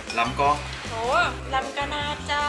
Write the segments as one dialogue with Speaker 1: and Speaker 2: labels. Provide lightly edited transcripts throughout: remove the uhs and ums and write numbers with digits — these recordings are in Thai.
Speaker 1: ล้ำก็
Speaker 2: โหลำกะนาจ้า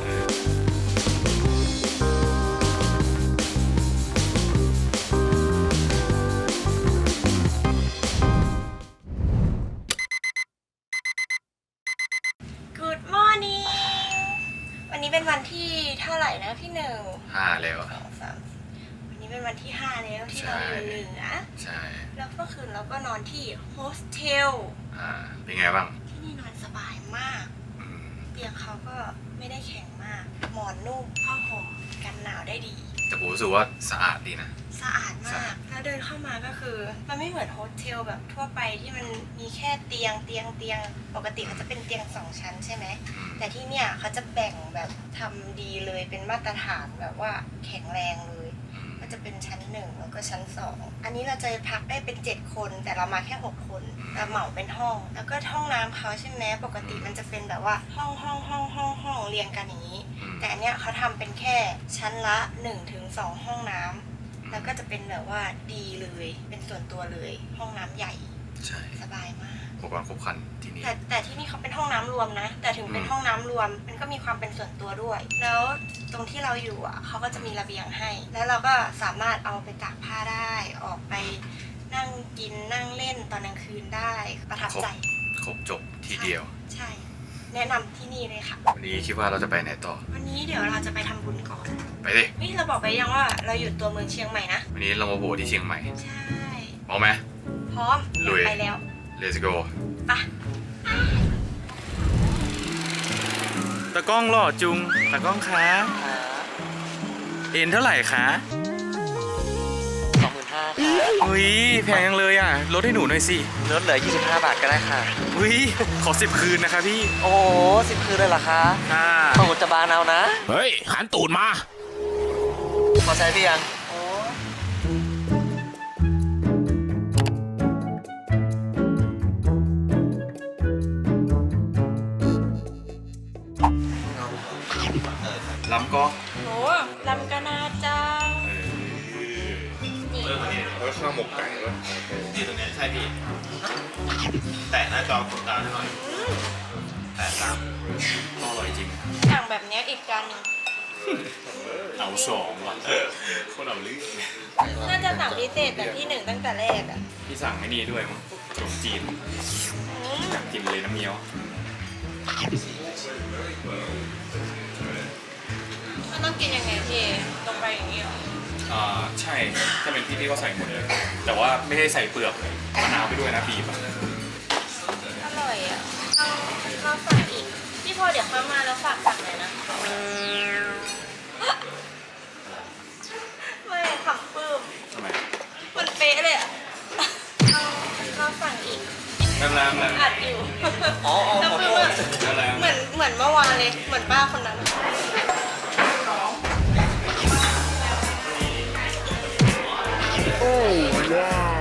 Speaker 2: Good morning วันนี้เป็นวันที่เท่าไหร่นะพี่หนึ่ง
Speaker 1: 5แล้ว
Speaker 2: วันนี้เป็นวันที่5แล้วที่เราอยู่เหนือ
Speaker 1: ใช่
Speaker 2: แล้วเมื่อคืนเราก็นอนที่โฮสเทล
Speaker 1: เป็นไงบ้าง
Speaker 2: ที่นี่นอนสบายมากเตียงเขาก็ไม่ได้แข็งมากหมอนนุ่มผ้าห่มกันหนาวได้ดี
Speaker 1: แต่ผมรู้สึกว่าสะอาดดีนะ
Speaker 2: สะอาดมากแล้วเดินเข้ามาก็คือมันไม่เหมือนโฮสเทลแบบทั่วไปที่มันมีแค่เตียงปกติเขาจะเป็นเตียง2ชั้นใช่ไหมแต่ที่เนี่ยเขาจะแบ่งแบบทำดีเลยเป็นมาตรฐานแบบว่าแข็งแรงเลยก็จะเป็นชั้น1แล้วก็ชั้น2อันนี้เราจะพักได้เป็น7คนแต่เรามาแค่6คนแต่เหมาเป็นห้องแล้วก็ห้องน้ำเขาใช่ไหมปกติมันจะเป็นแบบว่าห้องเรียงกันอย่างนี้แต่อันเนี้ยเขาทำเป็นแค่ชั้นละ1-2ห้องน้ำแล้วก็จะเป็นแบบว่าดีเลยเป็นส่วนตัวเลยห้องน้ำใหญ่
Speaker 1: ใช่
Speaker 2: สบายมาก
Speaker 1: อุปกรณ์ครบครันที่นี่
Speaker 2: แต่ที่นี่เขาเป็นห้องน้ำรวมนะแต่ถึงเป็นห้องน้ำรวมมันก็มีความเป็นส่วนตัวด้วยแล้วตรงที่เราอยู่อ่ะเขาก็จะมีระเบียงให้แล้วเราก็สามารถเอาไปตากผ้าได้ออกไปนั่งกินนั่งเล่นตอนกลางคืนได้ประทับใจ
Speaker 1: ครบจบทีเดียว
Speaker 2: ใช่แนะนำที่นี่เลยค่ะ
Speaker 1: วันนี้คิดว่าเราจะไปไหนต่อ
Speaker 2: วันนี้เดี๋ยวเราจะไปทำบุญก่อน
Speaker 1: ไปดิ
Speaker 2: นี่เราบอกไปยังว่าเราอยู่ตัวเมืองเชียงใหม่นะ
Speaker 1: วันนี้เรามาโผล่ที่เชียงใหม่
Speaker 2: ใช่
Speaker 1: พร้อมไหม
Speaker 2: พร้อม
Speaker 1: ลุย
Speaker 2: ไปแล้ว
Speaker 1: Let's go
Speaker 2: ไป
Speaker 1: ตะกล้องหล่อจุงตะกล้องคะเอ็นเท่าไหร่คะ
Speaker 3: 25,000ค่ะ
Speaker 1: อุ้ยแพงจังเลยอ่ะลดให้หนูหน่อยสิ
Speaker 3: ลดเหลือ25 บาทก็ได้ค่ะ
Speaker 1: อุ้ยขอ10 คืนนะคะพี่
Speaker 3: โอ้10 คืนเลยเหรอคะตูดจะบานเอานะ
Speaker 1: เฮ้ยหันตูดมา
Speaker 3: พอใช้พี่ยัง
Speaker 1: ล้ำก็
Speaker 2: โหลำกะนาจ้า
Speaker 1: นี่แล้วข้าวหมกไก่ด้วย
Speaker 4: นี่ตรงนี้ใช่พี่แตะหน้าจอกดดาวให้หน่อยแตะตาม
Speaker 1: อร่อยจริง
Speaker 2: สั่งแบบนี้อีกจานหนึ่ง
Speaker 1: เอา2ว่ะคนเอาลื่น
Speaker 2: น่าจะสั่งพิเศษแบบที่1ตั้งแต่แรกอ่ะ
Speaker 1: พี่สั่งไม่นี่ด้วยมั้งขนมจีนอยากกินเลยน้ำเงี้ยว
Speaker 2: มันต้องกินยังไงพี่ตรงไปอย่างนี้หรอ
Speaker 1: ใช่ถ้าเป็นพี่ก็ใส่หมดเลยแต่ว่าไม่ได้ใส่เปลือกเลยมะนาวไปด้วยนะบีบ
Speaker 2: อร่อยอ่ะเราสั่งอีกพี่พอเดี๋ยวเข้ามาแล้วฝากสั่งหน่อยนะไม่ขำปื้ม
Speaker 1: ทำไม
Speaker 2: มันเป๊ะเลยอ่ะเราสั่งอีก
Speaker 1: น้ำ
Speaker 2: อัดอยู่น้ำปื้มเหมือนเมื่อวานเลยเหมือนป้าคนนั้น
Speaker 3: โอ้ว้าว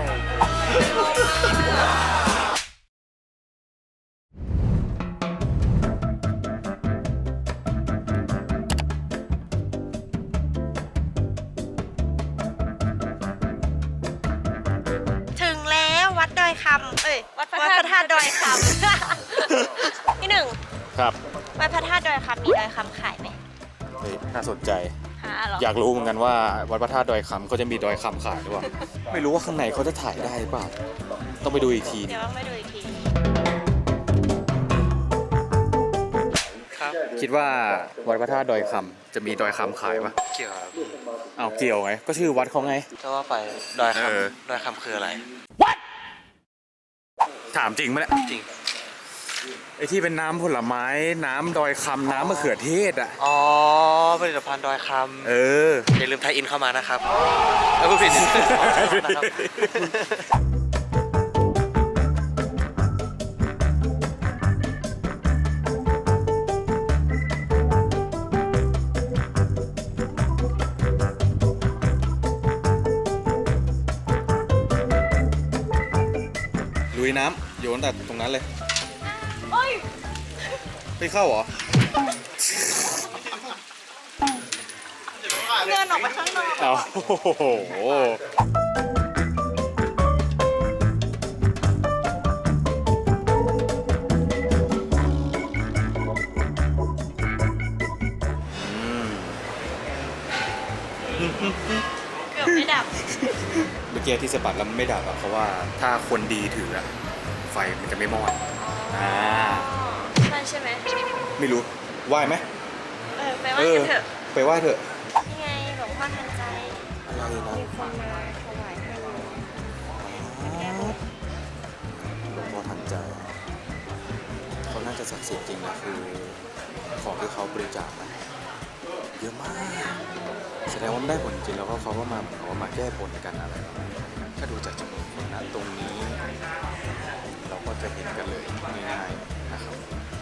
Speaker 2: ถึงแล้ววัดดอยคำวัดพระธาตุดอยคำพี่หนึ่ง
Speaker 1: ครับ
Speaker 2: วัดพระธาตุดอยคำมีดอยคำขายไหม
Speaker 1: น่าสนใจอยากรู้เหมือนกันว่าวัดพระธาตุดอยคำเขาจะมีดอยคำขายหรือเปล่าไม่รู้ว่าข้างในเขาจะถ่ายได้หรือเปล่าต้องไปดูอีกที
Speaker 2: เดี๋ยวต้องไปดูอีกที
Speaker 3: ครับ
Speaker 1: คิดว่าวัดพระธาตุดอยคำจะมีดอยคำขายปะ
Speaker 3: เกี่ยวครับ
Speaker 1: เอาเกี่ยวไงก็ชื่อวัดเขาไง
Speaker 3: ถ้าว่าไปดอยคำคืออะไร
Speaker 1: ถามจริงไหมเนี่ย
Speaker 3: จริง
Speaker 1: ไอที่เป็นน้ำผลไม้น้ำดอยคำน้ำมะเขือเทศอ่ะ
Speaker 3: อ๋อผลิตภัณฑ์ดอยคำอย่าลืมไทยอินเข้ามานะครับ
Speaker 1: พูดผิดลุยน้ำโยนแต่ตรงนั้นเลยไม่เข้าเหรอ
Speaker 2: เดินออกไปข้างนอก
Speaker 1: เอาโอ้โหอกี้ที่สะบัดแล้วมันไม่ดับอะเพราะว่าถ้าคนดีถืออะไฟมันจะไม่มอด
Speaker 2: ใช่ไหม
Speaker 1: ไม่รู้ไหว้ไหม
Speaker 2: ไปไหว้กันเถอะ
Speaker 1: ไปไหว้เถอะ
Speaker 2: นี่ไงหลวงพ่อทันใจ
Speaker 1: อะไรนะ
Speaker 2: มีคนมาถวายให้เลย
Speaker 1: หลวงพ่อทันใจเขาน่าจะศักดิ์สิทธิ์จริงนะคือของที่เขาบริจาคมาเยอะมากแสดงว่ามันได้ผลจริงแล้วก็เขาก็มาแก้บนกันอะไรถ้าดูจากจำนวนคนนะตรงนี้ เราก็จะเห็นกันเลยง่ายๆนะครับ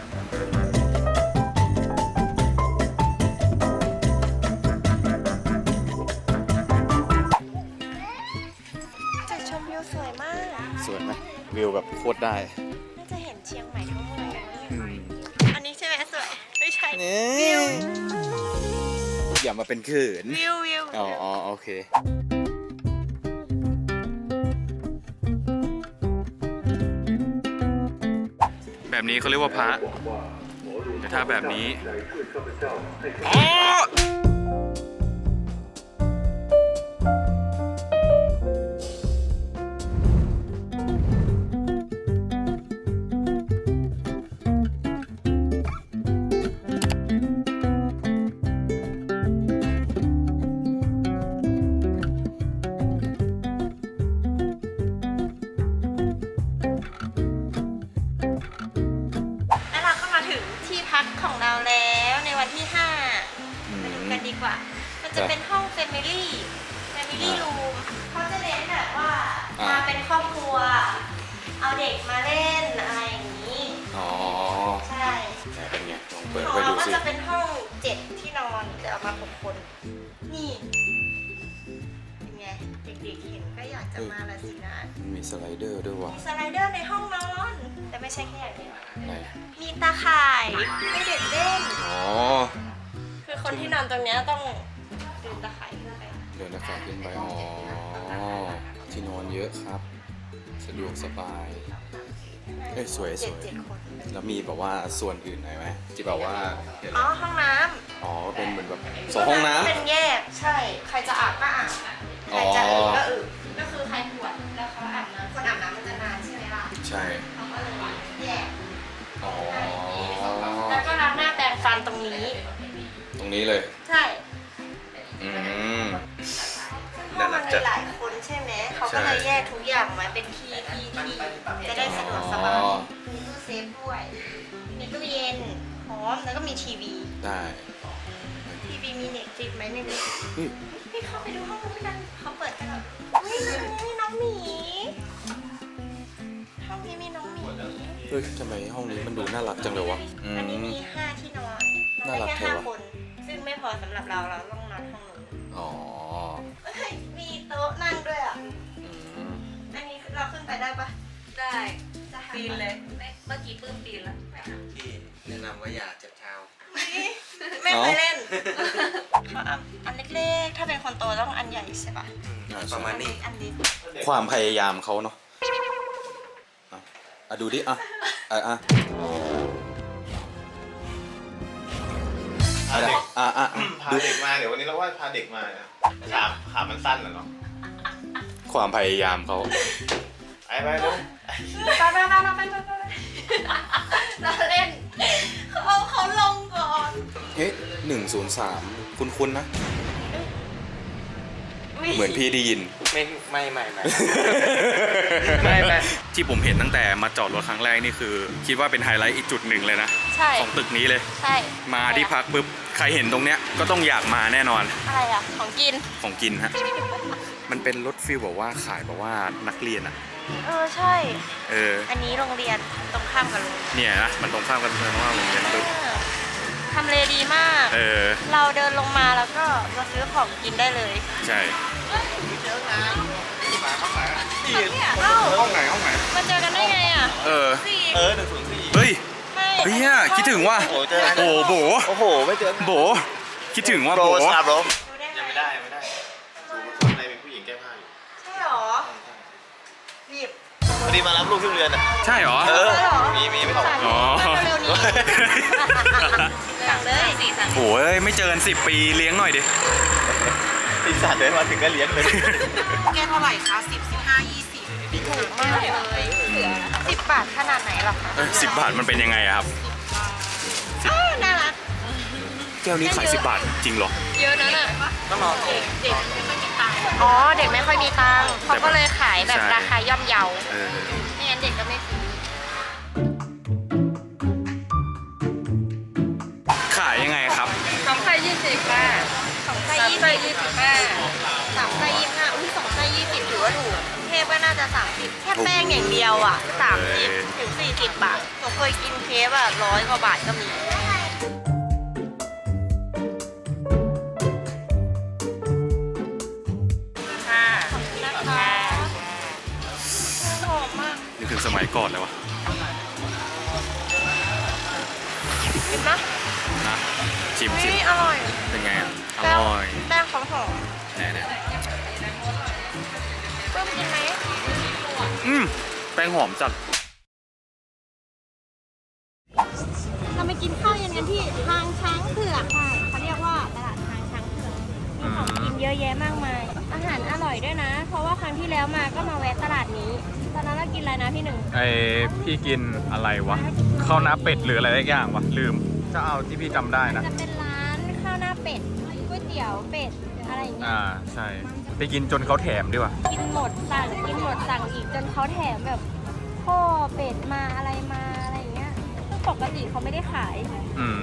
Speaker 2: จุดชมวิวสวยมาก
Speaker 1: สวยไหมวิวแบบโคตรได้
Speaker 2: น่าจะเห็นเชียงใหม่ทั้งเมืองเลย อันนี้ใช่ไหมสวย ไม่ใช่
Speaker 1: นี่อย่ามาเป็นเขิน
Speaker 2: วิว
Speaker 1: อ๋อโอเคแบบนี้เขาเรียกว่าพระแต่ถ้าแบบนี้อ๋อ
Speaker 2: แล้วเราก็มาถึงที่พักของเราแล้วในวันที่ 5 ไปดูกันดีกว่า มันจะเป็นห้อง Family Room เขาจะเน้นแบบว่ามาเป็นครอบครัว เอาเด็กมาเล่นอะไรอย่างนี้
Speaker 1: อ๋อ
Speaker 2: ใช่
Speaker 1: แต่เป็นไงลองเปิด
Speaker 2: ของ
Speaker 1: ไป
Speaker 2: เรา
Speaker 1: ดู
Speaker 2: ก็
Speaker 1: สิ
Speaker 2: จะเป็นห้อง 7 ที่นอนแต่เอามา6 คน นี่เป็นไง เด็กๆเห็นก็อยากจะมาละสินะ
Speaker 1: มีสไลเดอร์ด้วยว่ะ
Speaker 2: มีสไลเดอร์ในห้องนอน แต่ไม่ใช่แค่อย่างเดียว
Speaker 1: ไหน
Speaker 2: มีตาข่ายให้เด็กเล่น
Speaker 1: อ๋อ
Speaker 2: คือคนที่นอนตรงเนี้ยต้องเดินตาข่ายขึ้นไป
Speaker 1: เดินหน้าฝาขึ้นไปอ๋อที่นอนเยอะครับ สะดวกสบายเอ้ยสวย
Speaker 2: เจ็ดคน
Speaker 1: แล้วมีแบบว่าส่วนอื่นไหนไหมที่แบบว่าเดี๋ยว
Speaker 2: อ๋อ
Speaker 1: นะ
Speaker 2: ห้องน้
Speaker 1: อ๋อเป็นเหมือนแบบ
Speaker 2: ำ
Speaker 1: 2 ห้องน้
Speaker 2: เป็นแยก ใช่ ใครจะอาบก็อาบใครจะอึก็อึก็คือใครปวดแล้วเขาอาบน้ำคนอาบน้ำมันจะนานใช่ไหมล่ะ
Speaker 1: ำใช่
Speaker 2: เขาก็เลยแยก
Speaker 1: อ๋อ
Speaker 2: แล้วก็ล้างหน้าแปรงฟันตรงนี้
Speaker 1: ตรงนี้เลย
Speaker 2: ใช่
Speaker 1: อืม
Speaker 2: ห้องมันมีหลายคนใช่ไหม เขาก็เลยแยกทุกอย่างไว้เป็นที่จะได้สะดวกสบาย
Speaker 1: อ๋อ
Speaker 2: มีตู้เซฟด้วย มีตู้เย็นพร้อมแล้วก็มีทีวี
Speaker 1: ได้
Speaker 2: ทีวีมีเน็ตฟลิกไหมไม่รู้
Speaker 1: เฮ้ย
Speaker 2: พี่เข้าไปดูห้องนู้นกัน เขาเปิดกันเหรอเฮ้ยนี่น้องหมี ห้องนี้มีน้องหมี
Speaker 1: เฮ้ยทำไมห้องนี้มันดูน่ารักจังเลยวะ
Speaker 2: อันนี้มี5 ที่นอนนอนได้แค่5 คน ซึ่งไม่พอสำหรับเราต้องนอนห้องนู้น
Speaker 1: อ๋อ
Speaker 2: เฮ้ยมีโต๊ะนั่งด้วยอ่ะ
Speaker 1: อืม
Speaker 2: อันนี้เราขึ้นไปได้ปะ
Speaker 5: ได้
Speaker 2: จะหา
Speaker 5: ปีนเลยเมื่อกี้ปื้มปีนแล้ว
Speaker 3: ที่แนะนำว่าอย่าเจ็บเท้า
Speaker 2: ไม่เคยเล่นเขาเอาอันเล็กๆ ถ้าเป็นคนโตต้องอันใหญ่ใช่ปะ
Speaker 3: ประมาณนี้
Speaker 2: อันเล็ก
Speaker 1: ความพยายามเขาเนาะดูดิอ่ะอ่ะ
Speaker 4: พาเด็ก พา
Speaker 1: ดู
Speaker 4: เด็กมาเดี๋ยววันนี้เราว่าพาเด็กมาเนี่ยขามันสั้นเหรอเนาะ
Speaker 1: ความพยายามเขา
Speaker 4: ไปเร็ว
Speaker 2: ไปเราเล่นเขาลงก่อน
Speaker 1: เฮ้ย103คุ้นๆนะ เหมือนพี่ได้ยิน
Speaker 3: ไม่
Speaker 1: ที่ผมเห็นตั้งแต่มาจอดรถครั้งแรกนี่คือ คิดว่าเป็นไฮไลท์อีกจุดหนึ่งเลยนะ
Speaker 2: ใช่
Speaker 1: ของตึกนี้เลย
Speaker 2: ใช่
Speaker 1: มาที่พักปุ๊บใครเห็นตรงเนี้ยก็ต้องอยากมาแน่นอน
Speaker 2: อะไรอ่ะ ของกิน
Speaker 1: ของกินฮะ มันเป็นรถฟิลแบบว่าขายแบบว่านักเรียนอ่ะ
Speaker 2: ใช่
Speaker 1: อั
Speaker 2: นนี้โรงเรียนตรงข้ามกับโรงเรียน
Speaker 1: เนี่ยนะมันตรงข้ามกันเลยว่าโรงเรียนปุ๊บ
Speaker 2: ทำเลดีมาก เราเดินลงมาแล้วก็มาซื้อของกินได้เลย
Speaker 1: ใช่
Speaker 2: เอ้า
Speaker 1: ห้องไหน
Speaker 2: มาเจอกันได้ไงอ่ะ
Speaker 4: 104
Speaker 1: เฮ้ย
Speaker 2: ไม่
Speaker 1: เฮ้ยคิดถึงว่า
Speaker 4: โอ้เจอกัน
Speaker 1: โอ้โบ
Speaker 3: โอ้โห ไม่เจอ
Speaker 1: โบคิดถึงว่า
Speaker 3: โปร
Speaker 1: โบ
Speaker 3: สาบลม
Speaker 2: ดูได้ไหม
Speaker 4: ยังไม่ได้ดูข้างในเป็นผู้หญิงแก้ผ้าอยู่
Speaker 2: ใช่หรอรีบ
Speaker 4: พอดีมารับลูกที่โรงเรียนอ่ะ
Speaker 1: ใช่เหรอ
Speaker 4: มีไม่ต้อง
Speaker 1: อ๋อ
Speaker 2: เร็วๆนี้สั่งเลยสีสัน
Speaker 1: โอ้ยไม่เจอกัน10 ปีเลี้ยงหน่อยดิ
Speaker 4: จอีสานเดินมาถึงก็เลี้ยงเลย
Speaker 2: แกเท่าไหร่คะ10 15 20ถูกมากเลยเหลือ10 บาทขนาดไหนหรอคะ
Speaker 1: 10 บาทมันเป็นยังไงอะครับ
Speaker 2: อ้าวน่ารัก
Speaker 1: แก้วนี้ขาย10 บาทจริงเหรอ
Speaker 2: เยอะนะน่ะ
Speaker 3: ต้องรอ
Speaker 2: เด็กไม่ค่อยมีตังค์อ๋อ เด็กไม่ค่อยมีตังค์เขาก็เลยขายแบบ
Speaker 1: ใช่
Speaker 2: ราคาย่อมเยา
Speaker 1: เออ
Speaker 2: ไม่งั้นเด็กก็ไม่ซื้อ
Speaker 1: ขายยังไงครับ
Speaker 2: 2 ไส้20ค่ะ2 ไส้25 3 ไส้25อุ้ย2 ไส้20ถือว่าถูกเทพก็น่าจะ30แค่แป้งอย่างเดียวอ่ะ30ถึง40 บาทหนูเคยกินเคฟอ่ะ100 กว่าบาทก็มีค่ะนะคะหอมมาก
Speaker 1: นึกถึงสมัยก่อนเลยวะ
Speaker 2: กินนะ
Speaker 1: นะชิม
Speaker 2: นี่อร่อย
Speaker 1: เป็นไงอะอ
Speaker 2: แป้ง
Speaker 1: ร่อย
Speaker 2: แป้งเขาหอม
Speaker 1: แน่
Speaker 2: เพิ่มกินไหม
Speaker 1: แป้งหอมจัด
Speaker 2: เราไปกินข้าวเย็นกันที่ทางช้างเผือกค่ะเขาเรียกว่าตลาดทางช้างเผือกมีของกินเยอะแยะมากมาย อาหารอร่อยด้วยนะ เพราะว่าครั้งที่แล้วมาก็มาแวะตลาดนี้ตอนนั้นเรากินอะไรนะพี่หนึ่ง
Speaker 6: พี่กินอะไรวะข้าวหน้าเป็ดหรืออะไรสักอย่างวะลืมจะเอาที่พี่จำได้นะ
Speaker 2: จะเป็นร้านข้าวหน้าเป็ดก๋วยเตี๋ยวเป็ดอะไรอย่างเงี้ย
Speaker 6: ใช่ไปกินจนเขาแถมดีกว่า
Speaker 2: กินหมดสั่งอีกจนเขาแถมแบบข้อเป็ดมาอะไรมาอะไรอย่างเงี้ยซึ่งปกติเขาไม่ได้ขาย
Speaker 6: อืม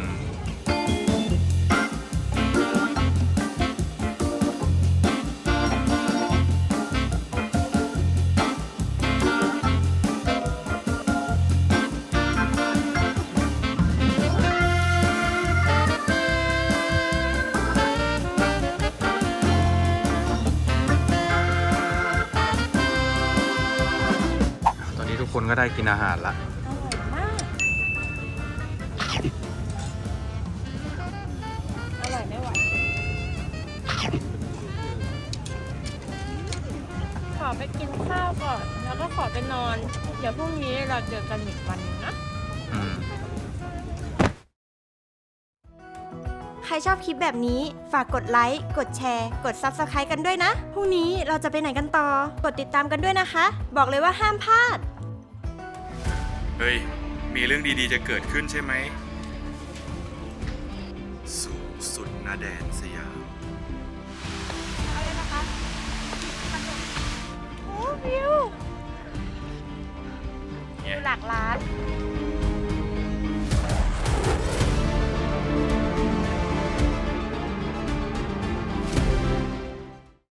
Speaker 6: ตอนนี้ทุกคนก็ได้กินอาหารละ
Speaker 2: อร่อยมาก อร่อยไม่ไหว ขอไปกินข้าวก่อน แล้วก็ขอไปนอน เดี๋ยวพรุ่งนี้เราเจอกันอีกวันนึงนะ
Speaker 6: อืม
Speaker 2: ใครชอบคลิปแบบนี้ฝากกดไลค์ กดแชร์ กด Subscribe กันด้วยนะ พรุ่งนี้เราจะไปไหนกันต่อ กดติดตามกันด้วยนะคะ บอกเลยว่าห้ามพลาด
Speaker 1: เฮ้ย มีเรื่องดีๆจะเกิดขึ้นใช่ไหม สู่สุดนาแดนสยาม
Speaker 2: โอ้วิว
Speaker 1: เนี่ย
Speaker 2: หลักล้าน